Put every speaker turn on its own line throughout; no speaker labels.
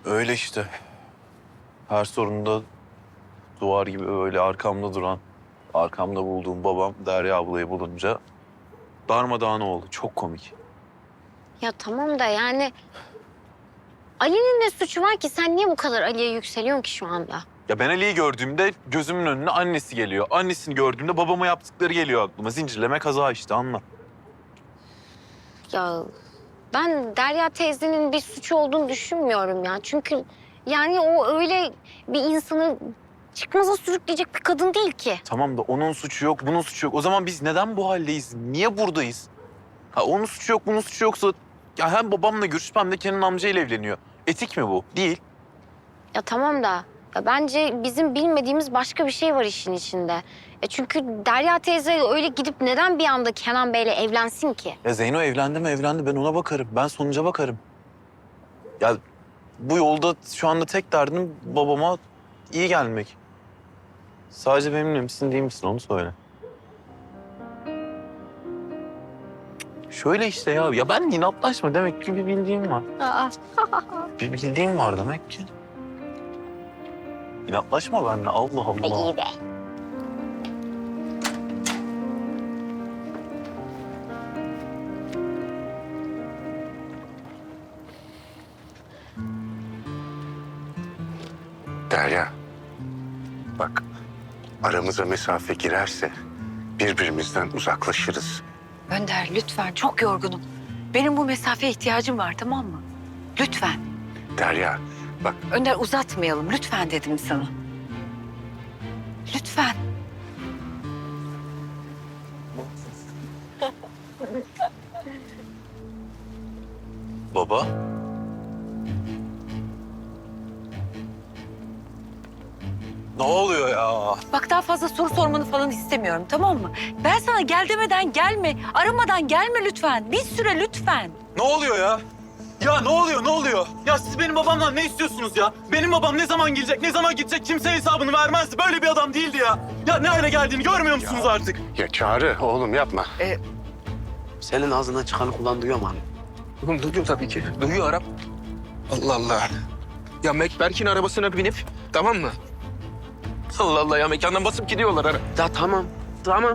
Öyle işte. Her sorunda duvar gibi öyle arkamda duran, arkamda bulduğum babam Derya ablayı bulunca darmadağın oldu. Çok komik.
Ya tamam da yani Ali'nin ne suçu var ki? Sen niye bu kadar Ali'ye yükseliyorsun ki şu anda?
Ya ben Ali'yi gördüğümde gözümün önüne annesi geliyor. Annesini gördüğümde babama yaptıkları geliyor aklıma. Zincirleme kaza işte, anla.
Ya ben Derya teyzenin bir suçu olduğunu düşünmüyorum ya. Çünkü yani o öyle bir insanı çıkmaza sürükleyecek bir kadın değil ki.
Tamam da onun suçu yok, bunun suçu yok. O zaman biz neden bu haldeyiz? Niye buradayız? Ha, onun suçu yok, bunun suçu yoksa... Ya hem babamla görüşüp hem de Kenan amcayla evleniyor. Etik mi bu? Değil.
Ya tamam da ya bence bizim bilmediğimiz başka bir şey var işin içinde. Çünkü Derya teyze öyle gidip neden bir anda Kenan Bey'le evlensin ki?
Ya Zeyno evlendi mi evlendi, ben ona bakarım. Ben sonuca bakarım. Ya bu yolda şu anda tek derdim babama iyi gelmek. Sadece benimle misin değil misin onu söyle. Şöyle işte ya. Ya ben inatlaşma, demek ki bir bildiğim var.
Aa.
Bir bildiğim var demek ki. İnatlaşma benimle, Allah Allah.
İyi be.
Derya, bak aramıza mesafe girerse birbirimizden uzaklaşırız.
Önder lütfen, çok yorgunum. Benim bu mesafeye ihtiyacım var, tamam mı? Lütfen.
Derya, bak
Önder uzatmayalım lütfen dedim sana. Lütfen.
Baba. Ne oluyor ya?
Bak daha fazla soru sormanı falan istemiyorum, tamam mı? Ben sana gel demeden gelme, aramadan gelme lütfen. Bir süre lütfen.
Ne oluyor ya? Ya ne oluyor, ne oluyor? Ya siz benim babamdan ne istiyorsunuz ya? Benim babam ne zaman gelecek, ne zaman gidecek kimseye hesabını vermezdi. Böyle bir adam değildi ya. Ya ne hale geldiğini görmüyor musunuz artık?
ya Çağrı oğlum yapma.
Senin ağzından çıkanı kulağın duyuyor mu abi?
Oğlum duyuyor tabii ki. Duyuyor Arap. Allah Allah. Ya Berk'in arabasına binip, tamam mı? Allah Allah ya, mekandan basıp gidiyorlar ara.
Ya tamam, tamam.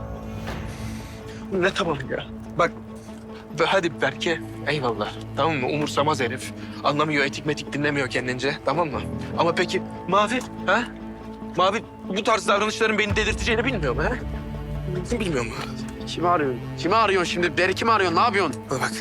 Ne tamam ya? Bak, hadi Berk'e eyvallah. Tamam mı? Umursamaz herif. Anlamıyor, etik metik dinlemiyor kendince. Tamam mı? Ama peki Mavi, ha? Mavi bu tarz davranışların beni delirteceğini bilmiyor mu, ha? Bilmiyor mu?
Kimi arıyorsun? Kimi arıyorsun şimdi? Beri kimi arıyorsun? Ne yapıyorsun?
Bak.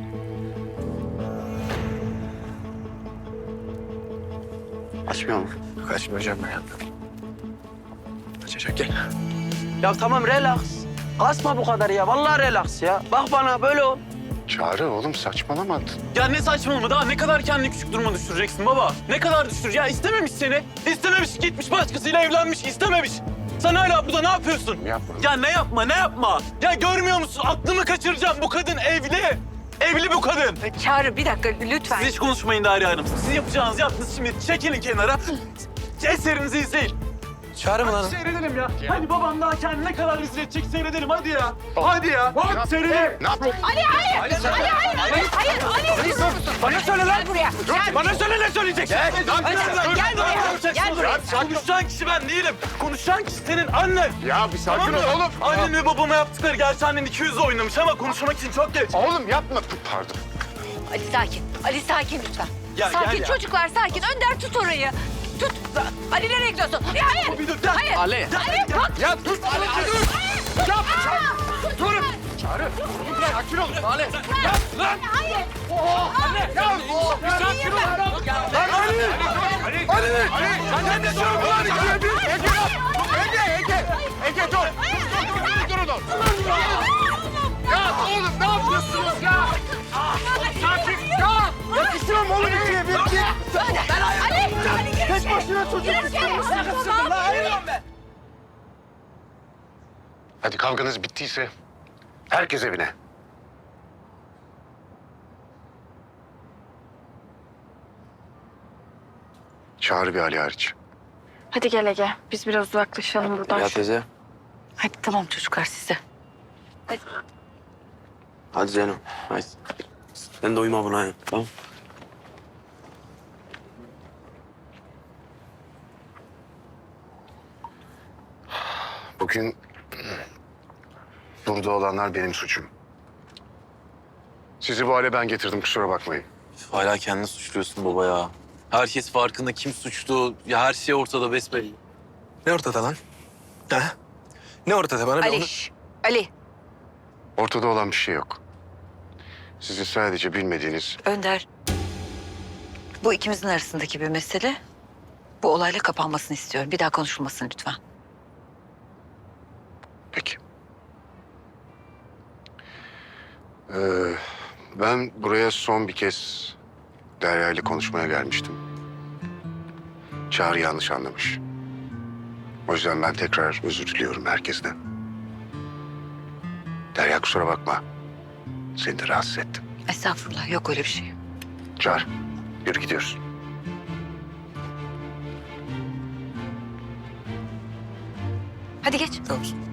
Açmıyor mu?
Kaçmayacağım ben. Kaçacak, gel.
Ya tamam relax. Kasma bu kadar ya. Vallahi relax ya. Bak bana böyle ol.
Çağrı oğlum saçmalama.
Ya ne saçmalama, daha ne kadar kendini küçük duruma düşüreceksin baba? Ne kadar düşür? Ya istememiş seni. İstememiş, gitmiş başkasıyla evlenmiş, istememiş. Sen hala burada ne yapıyorsun?
Yapma.
Ya ne yapma, ne yapma? Ya görmüyor musun? Aklımı kaçıracağım. Bu kadın evli. Evli bu kadın.
Çağrı bir dakika lütfen.
Siz hiç konuşmayın Derya Hanım. Siz yapacağınızı yaptınız, şimdi çekilin kenara. Eserinizi izleyin.
Çağrı mı lan?
Seyredelim ya. Hadi babam daha kendini ne kadar rezil edecek seyredelim, hadi ya. Hadi ya. Hadi seyredelim.
Ne yapıyorsun?
Bana söyle lan buraya. Bana söyle, ne söyleyeceksin? Gel buraya. Gel buraya. Konuşan kişi ben değilim. Konuşan kişi senin annen.
Ya bir sakin
Tamam
ol
mı?
oğlum.
Annen ve babama yaptıkları, gerçi annen 200 oynamış ama konuşmak için çok geç.
Oğlum yapma. Pardon.
Ali sakin. Ali sakin lütfen.
Ya,
sakin
gel ya.
çocuklar sakin. Önder tut orayı. Tut. Ali nereye gidiyorsun? Ya, hayır.
Bir dur, gel.
Hayır.
Ali.
Ali bak.
Ya dur. Ali dur.
Durun.
Çağrı. Sakin ol.
Ali.
Hayır.
Sakin ol.
Ali. Sen ne diyorsun lan? Ege dur. Dur dur. Ya oğlum ne yapıyorsunuz ya? Sakin. Ya. Yakıştırım oğlum ikiye bir.
Ali.
Tek başına çocuk
Tamam.
Hadi kavganız bittiyse herkes evine. Çağrı bir Ali hariç.
Hadi gel Ege. Biz biraz uzaklaşalım buradan.
Ya teyze.
Hadi tamam çocuklar size.
Hadi Zeyno. Hadi. Sen de uyuma buna ya. Tamam.
Bugün burada olanlar benim suçum. Sizi bu hale ben getirdim, kusura bakmayın.
Hala kendini suçluyorsun baba ya. Herkes farkında, kim suçlu. Ya her şey ortada besbelli.
Ne ortada lan? Ha? Ne ortada bana?
Ali,
Onu...
Ali.
Ortada olan bir şey yok. Sizin sadece bilmediğiniz...
Önder. Bu ikimizin arasındaki bir mesele. Bu olayla kapanmasını istiyorum. Bir daha konuşulmasın lütfen.
Peki. Ben buraya son bir kez Derya ile konuşmaya gelmiştim. Çağrı yanlış anlamış. O yüzden ben tekrar özür diliyorum herkesten. Derya kusura bakma. Seni de rahatsız ettim.
Estağfurullah. Yok öyle bir şey.
Çağrı, yürü gidiyoruz.
Hadi geç.
Tamam.